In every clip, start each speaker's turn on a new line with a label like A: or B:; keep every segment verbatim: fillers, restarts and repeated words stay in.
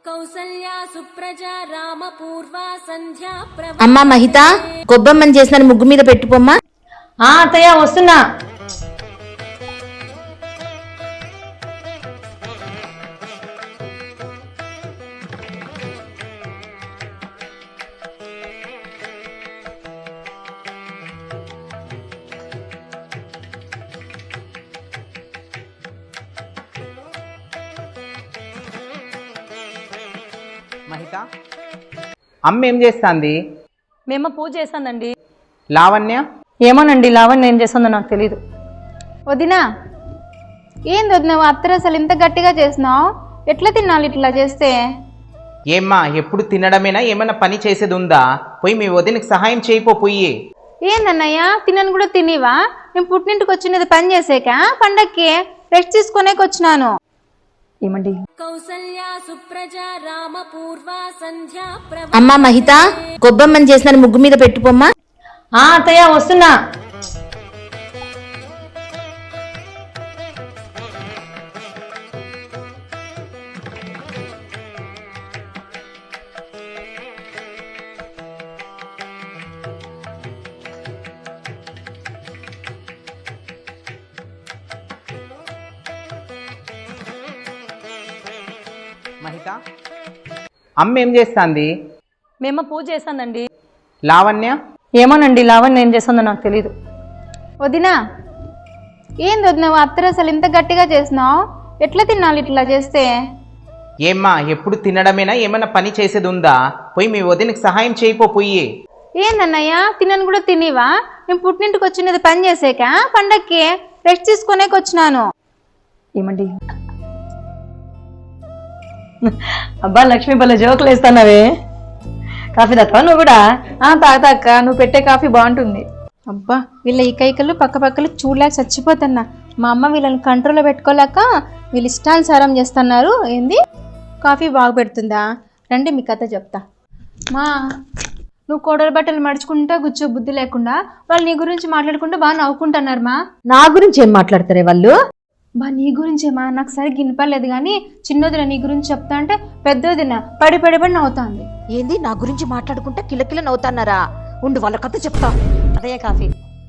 A: అమ్మా మహిత, కొబ్బమ్మని చేసిన ముగ్గు మీద పెట్టుకోమ్మా.
B: ఆ అత్తయ్య వస్తున్నా.
C: మహిత, అమ్మ ఏం చేస్తాంది?
B: మేము పూజ చేస్తానండి.
C: లావణ్య
B: ఏమోనండి, లావణ్య ఏం చేస్తుందో నాకు తెలీదు.
D: వదినా, ఏంది వదిన అత్తరు అసలు ఇంత గట్టిగా చేసినావు? ఎట్లా తినాలి ఇట్లా చేస్తే?
C: ఏమ్మా, ఎప్పుడు తినడమేనా? ఏమన్నా పని చేసేది ఉందా? పోయి మీ వదినకి సహాయం చేయిపో. పోయి
D: ఏందన్నయ్య, తినను కూడా తినివా? నేను పుట్టింటికి వచ్చినది పని చేసేక, పండక్కి రెస్ట్ తీసుకునేకి వచ్చినాను.
B: ఏమండి?
A: అమ్మా మహిత, కొబ్బమ్మని చేసిన ముగ్గు మీద పెట్టుకోమ్మా.
B: ఆ అత్తయ్య వస్తున్నా.
C: మహిత, అమ్మ ఏం చేస్తాంది?
B: మేము పూజ చేస్తానండి.
C: లావణ్య
B: ఏమోనండి, లావణ్య ఏం చేస్తుందో నాకు తెలీదు.
D: వదినా, ఏంది వదిన అత్తరు అసలు ఇంత గట్టిగా చేసినావు? ఎట్లా తినాలి ఇట్లా చేస్తే?
C: ఏమ్మా, ఎప్పుడు తినడమేనా? ఏమన్నా పని చేసేది ఉందా? పోయి మీ వదినకి సహాయం చేయిపో. పోయి
D: ఏందన్నయ్య, తినను కూడా తినివా? నేను పుట్టింటికి వచ్చినది పని చేసేక, పండక్కి రెస్ట్ తీసుకునేకి వచ్చినాను.
B: ఏమండి? అబ్బా లక్ష్మి, భలే జోకులు వేస్తానవే. కాఫీ తాతావా నువ్వు కూడా?
D: తాతాక, నువ్వు పెట్టే కాఫీ బాగుంటుంది. అబ్బా, వీళ్ళ ఈ కైకలు పక్క పక్కలు చూడలేక చచ్చిపోతున్నా. మా అమ్మ వీళ్ళని కంట్రోల్లో పెట్టుకోలేక వీళ్ళు ఇష్టానుసారం చేస్తున్నారు. ఏంది, కాఫీ బాగా పెడుతుందా? రండి మీ కథ చెప్తా. మా నువ్వు కోడల బట్టలు మడుచుకుంటా కూర్చో, బుద్ధి లేకుండా. వాళ్ళు నీ గురించి మాట్లాడుకుంటూ బాగా నవ్వుకుంటున్నారు. మా
B: నా గురించి ఏం మాట్లాడతారే వాళ్ళు?
D: బా నీ గురించేమా, నాకు సరిగ్గా వినపడలేదు కానీ చిన్నదిన నీ గురించి చెప్తా అంటే పెద్దదిన పడి పడి పడి నవ్వుతాంది.
A: ఏంది, నా గురించి మాట్లాడుకుంటా కిలకిల నవ్వుతాన్నారా? ఉండు, వాళ్ళ కథ చెప్తా.
B: అదే కాఫీ.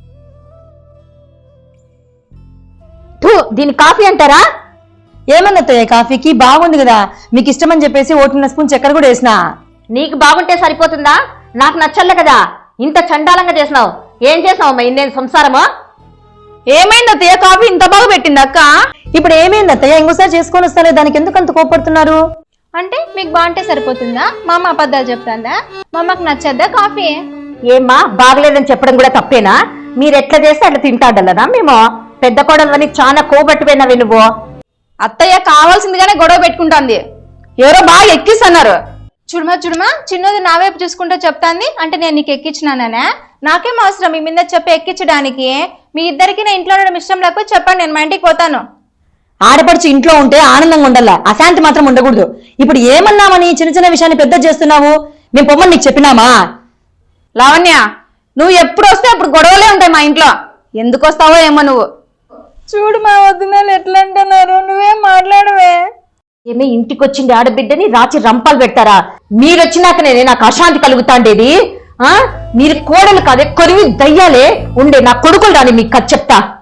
A: దీని కాఫీ అంటారా?
B: ఏమన్నత్తయ్య, కాఫీకి బాగుంది కదా, మీకు ఇష్టమని చెప్పేసి ఓటున్న స్పూన్ చక్కెర కూడా వేసినా.
A: నీకు బాగుంటే సరిపోతుందా? నాకు నచ్చలే కదా ఇంత చండాలంగా చేసినావు. ఏం చేసినావు అమ్మా? ఇందేం సంసారమా?
B: ఏమైంది అత్తయ్య, కాఫీ ఇంత బాగా పెట్టింది అక్క. ఇప్పుడు ఏమైంది అత్తయ్య? ఇంకోసారి చేసుకొని వస్తానే, దానికి ఎందుకు అంత కోపడుతున్నారు?
D: అంటే మీకు బాగుంటే సరిపోతుందా? మా అమ్మ అబద్ధాలు చెప్తాందా? మా అమ్మకు నచ్చద్దా కాఫీ?
A: ఏమ్మా, బాగలేదని చెప్పడం కూడా తప్పేనా? మీరు ఎట్లా చేస్తే అట్లా తింటాడల్లదా? మేము పెద్ద కోడలని చాలా కోబట్టిపోయినావి నువ్వు.
D: అత్తయ్య కావాల్సిందిగానే గొడవ పెట్టుకుంటాంది.
B: ఎవరో బాగా ఎక్కిస్తున్నారు.
D: చూడమా చూడమా, చిన్నది నా వైపు చూసుకుంటూ చెప్తాంది. అంటే నేను నీకు ఎక్కించినానా? నాకేం అవసరం మీ మీద చెప్పి ఎక్కించడానికి? మీ ఇద్దరికి నా ఇంట్లో ఉండడం ఇష్టం లేకపోతే చెప్పండి, నేను మా ఇంటికి పోతాను.
B: ఆడపడుచు ఇంట్లో ఉంటే ఆనందంగా ఉండాలా, అశాంతి మాత్రం ఉండకూడదు. ఇప్పుడు ఏమన్నామని చిన్న చిన్న విషయాన్ని పెద్ద చేస్తున్నావు? మేము పొమ్మని నీకు చెప్పినామా?
D: లావణ్య, నువ్వు ఎప్పుడు వస్తే అప్పుడు గొడవలే ఉంటాయి మా ఇంట్లో. ఎందుకు వస్తావో ఏమో నువ్వు. చూడు మా వదినాలు ఎట్లా అంటున్నారు, నువ్వేం మాట్లాడవే.
A: ఏమే, ఇంటికి వచ్చింది ఆడబిడ్డని రాచి రంపాలు పెడతారా? మీరొచ్చినాకనే నాకు అశాంతి కలుగుతాండేది. ఆ మీరు కోడలు కాదే, కొరివి దయ్యాలే ఉండే. నా కొడుకులు రాని మీకు కథ చెప్తా.